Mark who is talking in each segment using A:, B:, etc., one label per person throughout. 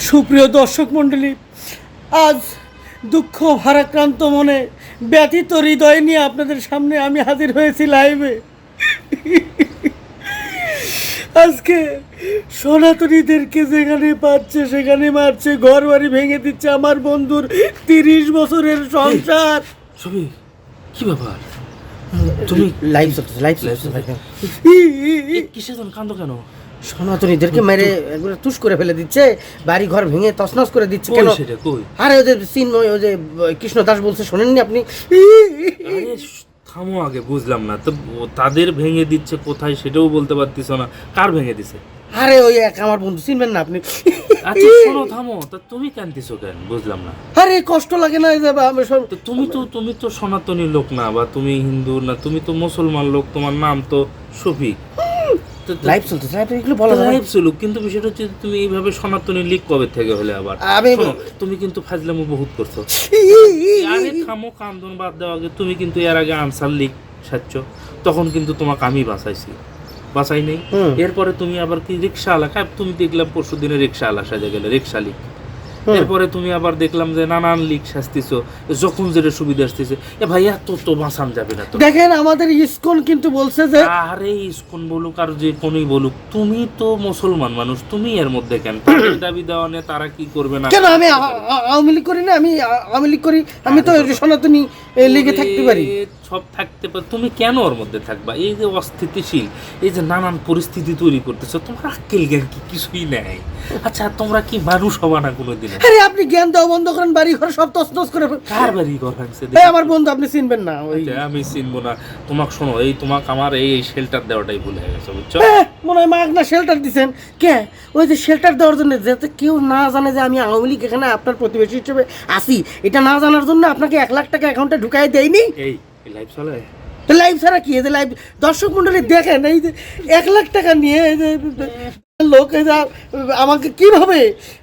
A: সুপ্রিয় দর্শক মণ্ডলী, আজ দুঃখ ভারাক্রান্ত মনে ব্যথিত হৃদয় নিয়ে আপনাদের সামনে আমি হাজির হয়েছি লাইভে। আজকে সনাতনীদেরকে যেখানে পাচ্ছে সেখানে মারছে, ঘর বাড়ি ভেঙে দিচ্ছে, আমার বন্ধুর 30 বছরের সংসার।
B: ছবি কি ব্যাপার? তুমি
A: লাইভ চলছে
B: কিসের জন্য কান্দো কেন?
A: সনাতনীদেরকে মেরে একবার তুষ করে ফেলে দিচ্ছে, বাড়ি ঘর ভেঙে তছনছ করে দিচ্ছে। কেন?
B: সেটা কই?
A: আরে ওদের চিন্ময়, ওই যে কৃষ্ণ দাস বলছে, শোনেননি আপনি?
B: আরে থামো আগে, বুঝলাম না তো। তাদের ভেঙে দিচ্ছে কোথায় সেটাও বলতে পারতিস না। কার ভেঙে দিছে?
A: আরে ওই এক আমার বন্ধু, চিনবেন না আপনি?
B: আচ্ছা শোনো, থামো। তা তুমি কান্দিছো কেন বুঝলাম না।
A: আরে কষ্ট লাগে না?
B: তো তুমি তো সনাতনী লোক না, বা তুমি হিন্দু না, তুমি তো মুসলমান লোক, তোমার নাম তো শফিক।
A: লাইভ চলছে, এগুলো বলা যায়?
B: লাইভ চলুক, কিন্তু বিষয়টা হচ্ছে তুমি এইভাবে সনাতনী লীগ কবে থেকে হলে আবার? শোনো, তুমি কিন্তু ফাজলামো বহুত করছো। আরে থামো, কান্দন বাদ দেওয়া আগে। তুমি কিন্তু এর আগে আনসার লীগ সাচ্ছ, তখন কিন্তু তোমাকে আমি বাঁচাই নেই। এরপরে তুমি আবার কি রিক্সা আলাকা, তুমি দেখলাম পরশু দিনে রিক্সা আলা সাজে গেলে, রিক্সা লীগ। এরপরে তুমি আবার দেখলাম যে নানান লীগ শাস্তিছো, যখন যেটা সুবিধা আসতেছে। এ ভাই এত তো বাঁচান যাবে না তো।
A: দেখেন আমাদের ইসকন কিন্তু বলছে যে,
B: আরে ইসকন বলুক আর যে কোনই বলুক, তুমি তো মুসলমান মানুষ, তুমি এর মধ্যে কেন? তাদের দাবি দেওয়া নিয়ে তারা কি করবে না?
A: কেন আমি আওয়ামী লীগ করি না? আমি আওয়ামী লীগ করি, আমি তো সনাতনী লীগে থাকতে পারি।
B: সব থাকতে পারে, তুমি কেন ওর মধ্যে থাকবা? এই যে অস্থিতিশীল, এই যে নানান পরিস্থিতি তৈরি করতেছো, তোমার আক্কেল জ্ঞান কি কিছুই নেই? আচ্ছা তোমরা কি মানুষ হবা না কোনোদিন?
A: আরে আপনি জ্ঞান দেওয়া বন্ধ করেন, বাড়ি ঘর সব তছনছ করে।
B: কার বাড়ি ঘর ভাঙছে?
A: আমার বন্ধু, আপনি চিনবেন না? ওই
B: আমি চিনবো না তোমাকে? শোনো, এই তোমাকে আমার এই শেল্টার দেওয়াটাই ভুলে গেছে, বুঝছো?
A: মনে হয় মাগনা শেল্টার দিচ্ছেন। কে? ওই যে শেল্টার দেওয়ার জন্য, যাতে কেউ না জানে যে আমি আওয়ামী লীগ এখানে আপনার প্রতিবেশী হিসেবে আসি, এটা না জানার জন্য আপনাকে 1 লাখ টাকা অ্যাকাউন্টে ঢুকাই দেয়নি।
B: এই লাইভ চলে?
A: লাইভ ছাড়া কি? এই যে লাইভ দর্শক মন্ডলী দেখেন, এই যে 1 লাখ টাকা নিয়ে এই যে লোক এই যে আমাকে কিভাবে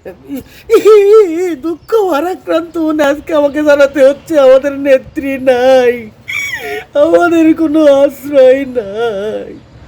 A: দুঃখ ভারাক্রান্ত মনে আজকে আমাকে জানাতে হচ্ছে আমাদের নেত্রী নাই, আমাদের কোনো আশ্রয় নাই।